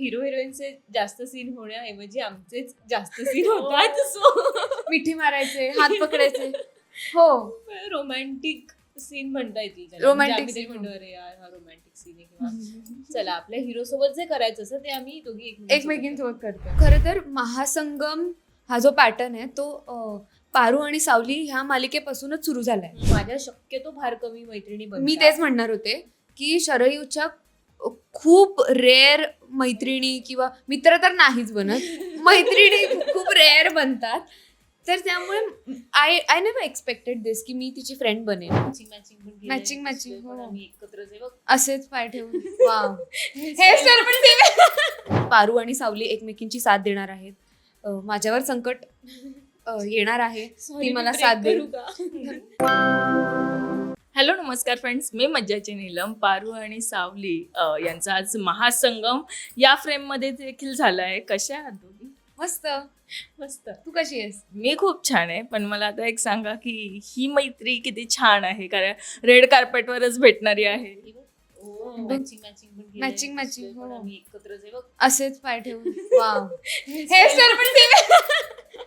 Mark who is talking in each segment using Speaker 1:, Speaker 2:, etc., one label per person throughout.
Speaker 1: Hero हिरोईनचे जास्त scene होण्याऐवजी आमचेच जास्त सीन होतात. सो
Speaker 2: मिठी मारायचे, हात पकडायचे. हो,
Speaker 1: रोमॅन्टिक सीन म्हणता येतील त्याला.
Speaker 2: Romantic
Speaker 1: म्हणजे आम्ही ते
Speaker 2: scene,
Speaker 1: म्हणतो अरे यार हा रोमॅन्टिक सीन आहे किंवा चला आपल्या हिरो सोबत जे करायचं असं ते आम्ही दोघी
Speaker 2: एकमेकींसोबत करतो. खरं तर महासंगम हा जो पॅटर्न आहे तो पारू आणि सावली ह्या मालिकेपासूनच सुरू झालाय.
Speaker 1: माझ्या शक्यतो फार कमी मैत्रिणी बनतात.
Speaker 2: मी तेच म्हणणार होते की शरयूच्या खूप रेअर मैत्रिणी किंवा मित्र तर नाहीच बनत, मैत्रिणी खूप रेअर बनतात. तर त्यामुळे आय नेव्हर एक्सपेक्टेड दिस की मी तिची फ्रेंड बनेन.
Speaker 1: मॅचिंग
Speaker 2: matching, हो.
Speaker 1: आम्ही एकत्रच आहे बघ.
Speaker 2: असेच पाय ठेवून वाव. हेअरस्टाईल पण same. पारू आणि सावली एकमेकींची साथ देणार आहेत. माझ्यावर संकट येणार आहे, ती मला साथ देईल.
Speaker 3: हॅलो नमस्कार फ्रेंड्स, मी मज्जाची नीलम. पारू आणि सावली यांचा आज महासंगम या फ्रेममध्ये देखील झाला आहे. कशा आहात दोघी?
Speaker 2: मस्त.
Speaker 1: मस्त.
Speaker 2: तू कशी आहेस?
Speaker 3: मी खूप छान आहे, पण मला आता एक सांगा की ही मैत्री किती छान आहे, कारण रेड कार्पेटवरच भेटणारी आहे.
Speaker 2: मॅचिंग, हो.
Speaker 1: आम्ही एकत्रच आहे बघ.
Speaker 2: असेच पाय ठेवून वाव. हेअरस्टाईल पण same.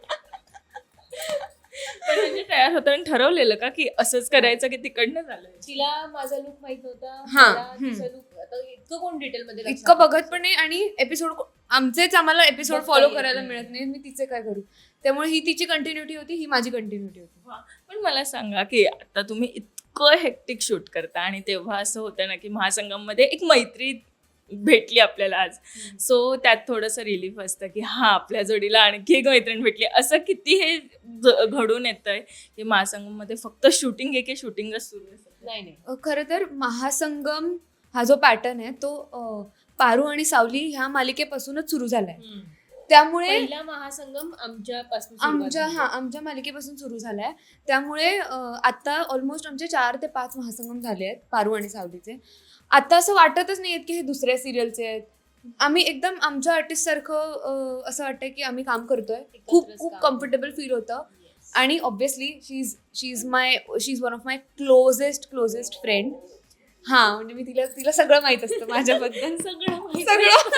Speaker 3: पण म्हणजे तयार होताना ठरवलेलं का की असंच करायचं की तिकडनं झालं?
Speaker 1: तिला माझा लुक माहित नव्हता.
Speaker 2: हा,
Speaker 1: मला तिचा लुक आता इतकं कोण डिटेल मध्ये लक्षात
Speaker 2: इतकं बघत
Speaker 1: ठेवतं?
Speaker 2: पण नाही आणि एपिसोड आमचेच एपिसोड
Speaker 1: बघता
Speaker 2: फॉलो
Speaker 1: येत
Speaker 2: करायला
Speaker 1: नाही.
Speaker 2: मिळत नाही. मी तिचे काय करू? त्यामुळे ही तिची कंटिन्युटी होती, ही माझी कंटिन्युटी होती.
Speaker 3: वा. पण मला सांगा की आता तुम्ही इतकं हेक्टिक शूट करता आणि तेव्हा असं होतं ना की महासंगममध्ये एक मैत्री भेटली आपल्याला आज, सो त्यात थोडंसं रिलीफ असतं की हा आपल्या जोडीला आणखी एक मैत्रीण भेटली. असं किती हे घडून येतंय की महासंगममध्ये फक्त शूटिंग आहे की शूटिंगच सुरू आहे?
Speaker 1: नाही
Speaker 2: खरं तर महासंगम हा जो पॅटर्न आहे तो पारू आणि सावली ह्या मालिकेपासूनच सुरू झालाय. त्यामुळे
Speaker 1: पहिला महासंगम आमच्यापासून सुरुवात झाली.
Speaker 2: आमच्या मालिकेपासून सुरू झालाय. त्यामुळे आता ऑलमोस्ट आमचे 4 ते 5 महासंगम झाले आहेत पारू आणि सावलीचे. आता असं वाटतच नाहीये की हे दुसऱ्या सिरियलचे आहेत. आम्ही एकदम आमच्या आर्टिस्ट सारखं असं वाटतंय की आम्ही काम करतोय. खूप
Speaker 1: एकत्रच
Speaker 2: खूप
Speaker 1: काम
Speaker 2: कम्फर्टेबल फील होतं.
Speaker 1: Yes.
Speaker 2: आणि obviously she is one of my closest friend. हा, म्हणजे मी तिला सगळं माहित असतं माझ्याबद्दल. सगळं.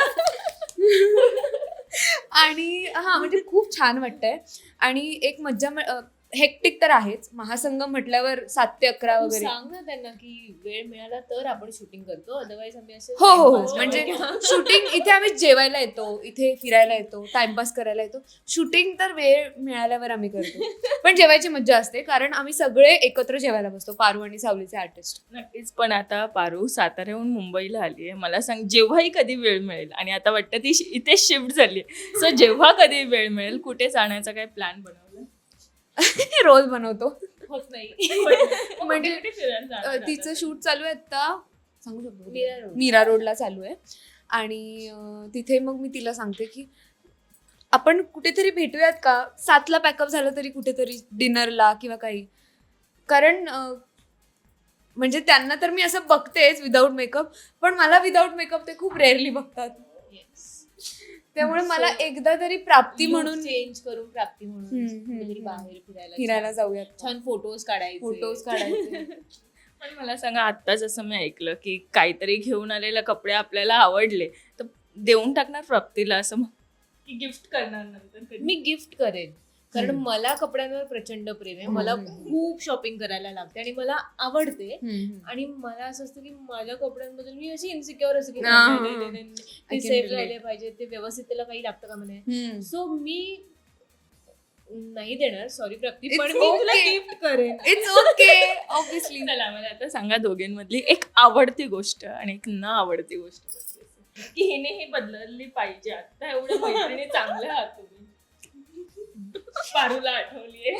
Speaker 2: आणि म्हणजे खूप छान वाटतंय. आणि एक मज्जा हेक्टिक तर आहेच. महासंगम म्हटल्यावर 7 ते 11
Speaker 1: तू
Speaker 2: वगैरे.
Speaker 1: सांग ना त्यांना की वेळ मिळाला तर आपण शूटिंग करतो, अदरवाईज आम्ही असं
Speaker 2: हो
Speaker 1: टाइमपास
Speaker 2: म्हणजे
Speaker 1: करतो.
Speaker 2: शूटिंग इथे आम्ही जेवायला येतो, इथे फिरायला येतो, टाइमपास करायला येतो. शूटिंग तर वेळ मिळाल्यावर आम्ही करतो. पण जेवायची मज्जा असते कारण आम्ही सगळे एकत्र जेवायला बसतो, पारू आणि सावलीचे आर्टिस्ट.
Speaker 3: नक्कीच. पण आता पारू साताऱ्याहून मुंबईला आली आहे. मला सांग, जेव्हाही कधी वेळ मिळेल, आणि आता वाटतं ती इथे शिफ्ट झाली, सो जेव्हा कधी वेळ मिळेल कुठे जाण्याचा काय प्लॅन बनवला?
Speaker 2: रोज बनवतो.
Speaker 1: होत नाही.
Speaker 2: म्हणजे
Speaker 3: कुठे फिरायला जाणार
Speaker 2: तिचं
Speaker 3: आता?
Speaker 2: शूट चालू आहे आता, सांगू शकतो,
Speaker 1: मीरा रोड.
Speaker 2: मीरा रोडला चालू आहे. आणि तिथे मग मी तिला सांगते की आपण कुठेतरी भेटूयात का, 7ला पॅकअप झालं तरी कुठेतरी डिनरला किंवा काही. कारण म्हणजे त्यांना तर मी असं बघतेच विदाऊट मेकअप, पण मला विदाऊट मेकअप ते खूप रेअरली बघतात.
Speaker 1: Yes.
Speaker 2: त्यामुळे मला
Speaker 1: So,
Speaker 2: एकदा तरी प्राप्ती
Speaker 1: Look
Speaker 2: म्हणून
Speaker 1: चेंज करून प्राप्ती म्हणून कुठेतरी
Speaker 2: हम्म.
Speaker 1: बाहेर
Speaker 2: फिरायला
Speaker 1: छान-
Speaker 2: जाऊयात.
Speaker 1: छान फोटोज काढायचे.
Speaker 2: फोटोज काढायचे.
Speaker 3: पण मला सांगा, आता जसं मी ऐकलं की काहीतरी घेऊन आलेले कपडे आपल्याला आवडले तर देऊन टाकणार प्राप्तीला, असं की गिफ्ट करणार नंतर कधी?
Speaker 1: मी गिफ्ट करेन कारण
Speaker 2: हम्म.
Speaker 1: मला कपड्यांवर प्रचंड प्रेम आहे. मला खूप शॉपिंग करायला लागते आणि मला आवडते. आणि मला असं असतं की माझ्या कपड्यांबद्दल मी अशी इन्सिक्युअर असते की
Speaker 2: हा.
Speaker 1: नाही, ते
Speaker 2: I can
Speaker 1: सेफ
Speaker 2: relate.
Speaker 1: राहिले पाहिजे, ते व्यवस्थित त्याला काही लागतं का म्हणे.
Speaker 2: हम्म.
Speaker 1: सो मी नाही देणार, सॉरी प्राप्ती,
Speaker 2: It's
Speaker 1: पण मी तुला
Speaker 2: okay.
Speaker 1: गिफ्ट करेन.
Speaker 2: It's okay, obviously.
Speaker 3: चला मला आता सांगा, दोघींमधली एक आवडती गोष्ट आणि एक न आवडती गोष्ट कोणती असेल? की हिने हे बदलली पाहिजे. आता एवढ्या मैत्रिणी चांगल्या आहात तुम्ही. पारूला आठवलीये.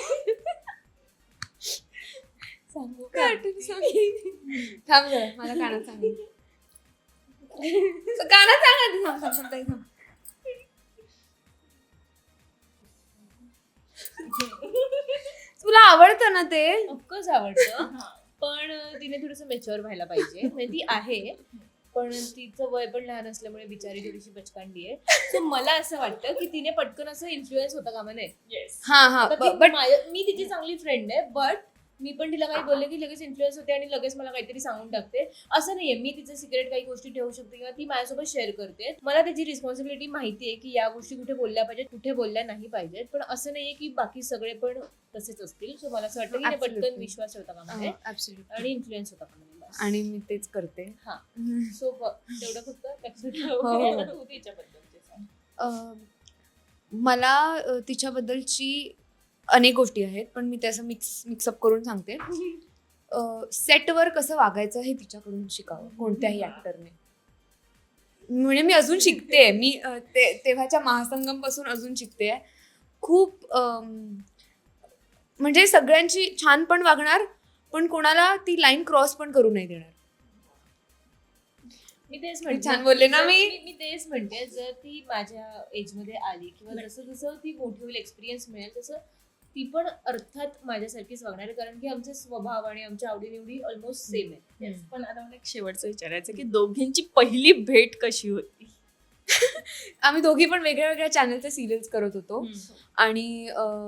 Speaker 1: सांगू
Speaker 2: काय
Speaker 1: का?
Speaker 2: आठवण सांग. थांब जरा, मला कानात सांग. कानात सांग आधी, थांब, ताई, थांब. तुला आवडतं ना ते?
Speaker 1: ऑफकोर्स आवडतं, पण तिने थोडंसं मेच्युअर व्हायला पाहिजे. म्हणजे ती आहे, पण तिचं वय पण लहान असल्यामुळे बिचारी थोडीशी बचकांडी आहे. सो मला असं वाटतं की तिने पटकन असं इन्फ्लुएन्स होता कामा नये.
Speaker 3: Yes.
Speaker 2: हा
Speaker 1: आता ती
Speaker 2: बट
Speaker 1: मी तिची चांगली फ्रेंड आहे, बट मी पण तिला काही बोलले की लगेच इन्फ्लुएन्स होते आणि लगेच मला काहीतरी सांगून टाकते. असं नाहीये, मी तिचं सिक्रेट काही गोष्टी ठेवू शकते किंवा ती माझ्यासोबत शेअर करते. मला त्याची रिस्पॉन्सिबिलिटी माहिती आहे की या गोष्टी कुठे बोलल्या पाहिजेत, कुठे बोलल्या नाही पाहिजेत. पण असं नाहीये की बाकी सगळे पण तसेच असतील. सो मला असं वाटतं की
Speaker 2: Absolutely.
Speaker 1: पटकन विश्वास ठेवता कामा नये
Speaker 2: Absolutely.
Speaker 1: आणि इन्फ्लुएन्स होता कामा नये. बस.
Speaker 2: आणि मी तेच करते.
Speaker 1: सो तेवढं फक्त लक्षात ठेव.
Speaker 2: हो.
Speaker 3: आता तू तिच्याबद्दलचे सांग.
Speaker 2: मला तिच्याबद्दलची अनेक गोष्टी आहेत, पण मी त्याचं मिक्सअप करून सांगते. सेटवर कसं वागायचं हे तिच्याकडून शिकावं कोणत्याही ऍक्टरने. म्हणजे मी अजून शिकते. मी तेव्हाच्या महासंगम पासून अजून शिकते. खूप म्हणजे सगळ्यांची छान पण वागणार, पण कोणाला ती लाईन क्रॉस पण करू नाही देणार.
Speaker 1: मी तेच
Speaker 2: मी
Speaker 1: म्हणते,
Speaker 2: छान बोलले ना
Speaker 1: जर
Speaker 2: मी?
Speaker 1: मी तेच म्हणते, जर ती माझ्या एजमध्ये आली किंवा जसं जसं ती मोठी होईल, एक्सपिरियन्स मिळेल, तसं ती पण अर्थात माझ्यासारखीच वागणार आहे. कारण की आमचे स्वभाव आणि आमच्या आवडीनिवडी ऑलमोस्ट सेम आहे.
Speaker 3: Yes, पण आता मला एक शेवटचं विचारायचं की दोघींची पहिली भेट कशी होती?
Speaker 2: आम्ही दोघी पण वेगळ्या वेगळ्या चॅनलचे सिरियल्स करत होतो आणि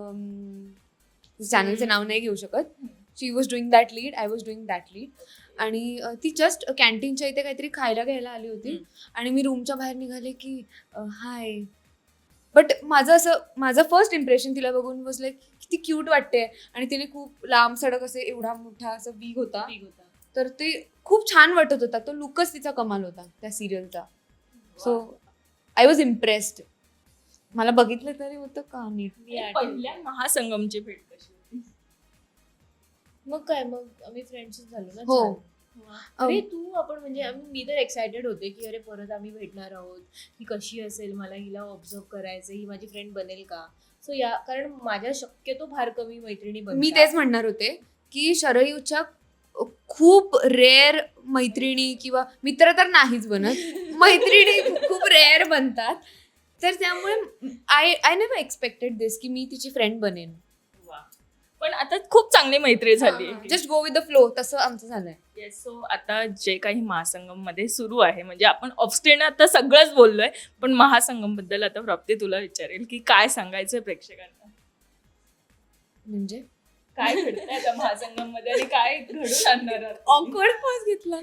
Speaker 2: चॅनलचे नाव नाही घेऊ शकत. She was doing that lead, I was doing that lead. आणि ती जस्ट कॅन्टीनच्या इथे काहीतरी खायला घ्यायला आली होती आणि मी रूमच्या बाहेर निघाले की हाय. बट माझं फर्स्ट इम्प्रेशन तिला बघून वॉज लाईक किती क्यूट वाटते. आणि तिने खूप लांब सडक असे एवढा मोठा असं वीग होता, तर ते खूप छान वाटत होता. तो लुकच तिचा कमाल होता त्या सिरियलचा. So I was impressed. मला बघितलं तरी होतं का नीट.
Speaker 3: पहिल्या महासंगमची भेट कशी होती?
Speaker 1: मग काय, मग आम्ही फ्रेंड्सच झालो ना.
Speaker 2: हो.
Speaker 1: छान. अरे आपण म्हणजे मी तर एक्सायटेड होते की अरे परत आम्ही भेटणार आहोत, ही कशी असेल, मला हिला ऑब्झर्व करायचं, ही माझी फ्रेंड बनेल का. सो कारण माझ्या शक्यतो फार कमी मैत्रिणी बनतात.
Speaker 2: मी तेच म्हणणार होते की शरयूच्या खूप रेअर मैत्रिणी किंवा मित्र तर नाहीच बनत, मैत्रिणी खूप रेअर बनतात. तर त्यामुळे आय नेव्हर एक्सपेक्टेड दिस की मी तिची फ्रेंड बनेन.
Speaker 3: पण आता खूप चांगली मैत्री झाली.
Speaker 2: Just go with the flow, तसं आमचं झालंय.
Speaker 3: येस. सो आता जे काही महासंगम मध्ये सुरू आहे, म्हणजे आपण ऑफस्क्रीन आता सगळंच बोललोय, पण महासंगम बद्दल आता प्राप्ती तुला विचारेल की काय सांगायचंय प्रेक्षकांना?
Speaker 2: म्हणजे
Speaker 3: काय घडतंय आता महासंगम मध्ये आणि काय घडून आणणार आहात?
Speaker 2: ऑकवर्ड पॉज घेतला.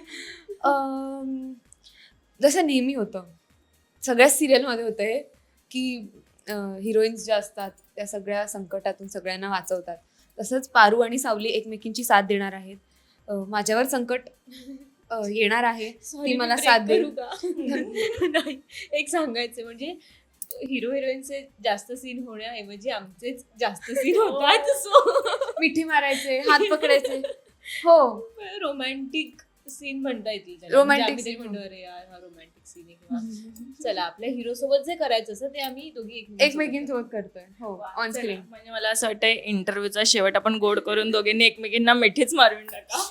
Speaker 2: जसं नेहमी होतं सगळ्या सिरियलमध्ये होतं हे की हिरोईन्स ज्या असतात त्या सगळ्या संकटातून सगळ्यांना वाचवतात. तसंच पारू आणि सावली एकमेकींची साथ देणार आहेत. माझ्यावर संकट येणार आहे, ती मला साथ देईल.
Speaker 1: नाही, एक सांगायचं म्हणजे हिरो हिरोईनचे जास्त सीन होण्याऐवजी आमचेच जास्त सीन होतात. सो
Speaker 2: मिठी मारायचे, हात पकडायचे. हो,
Speaker 1: रोमॅन्टिक सीन म्हणता येतील त्याला.
Speaker 2: Romantic
Speaker 1: म्हणजे आम्ही तरी
Speaker 2: scene.
Speaker 1: म्हणतो अरे यार हा रोमॅन्टिक सीन आहे किंवा चला आपल्या हिरो सोबत जे करायचं असं ते आम्ही दोघी
Speaker 2: एकमेकींसोबत करतोय. हो, ऑन
Speaker 3: चला,
Speaker 2: स्क्रीन.
Speaker 3: म्हणजे मला असं वाटतंय इंटरव्ह्यूचा शेवट आपण गोड करून दोघींनी एकमेकींना मिठीच मारून टाका.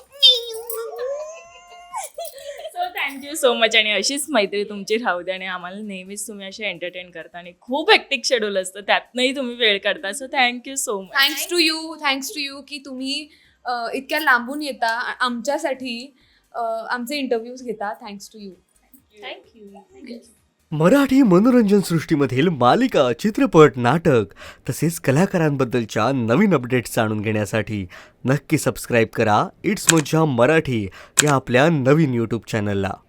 Speaker 3: So thank you so much. आणि अशीच मैत्री तुमची राहू द्या आणि आम्हाला नेहमीच तुम्ही असे एंटरटेन करता आणि खूप हेक्टिक शेड्यूल असतं त्यातनंही तुम्ही वेळ काढता. So thank you so much.
Speaker 2: Thanks to you की तुम्ही इतक्या लांबून येता आमच्यासाठी, आमचे इंटरव्ह्यूज घेता. Thanks to you.
Speaker 1: Thank you.
Speaker 4: Marathi मनोरंजन सृष्टीमधील मालिका, चित्रपट, नाटक तसेच कलाकारांबद्दलच्या नवीन अपडेट्स जाणून घेण्यासाठी नक्की सबस्क्राईब करा इट्स मज्जा मराठी या आपल्या नवीन यूट्यूब चॅनलला.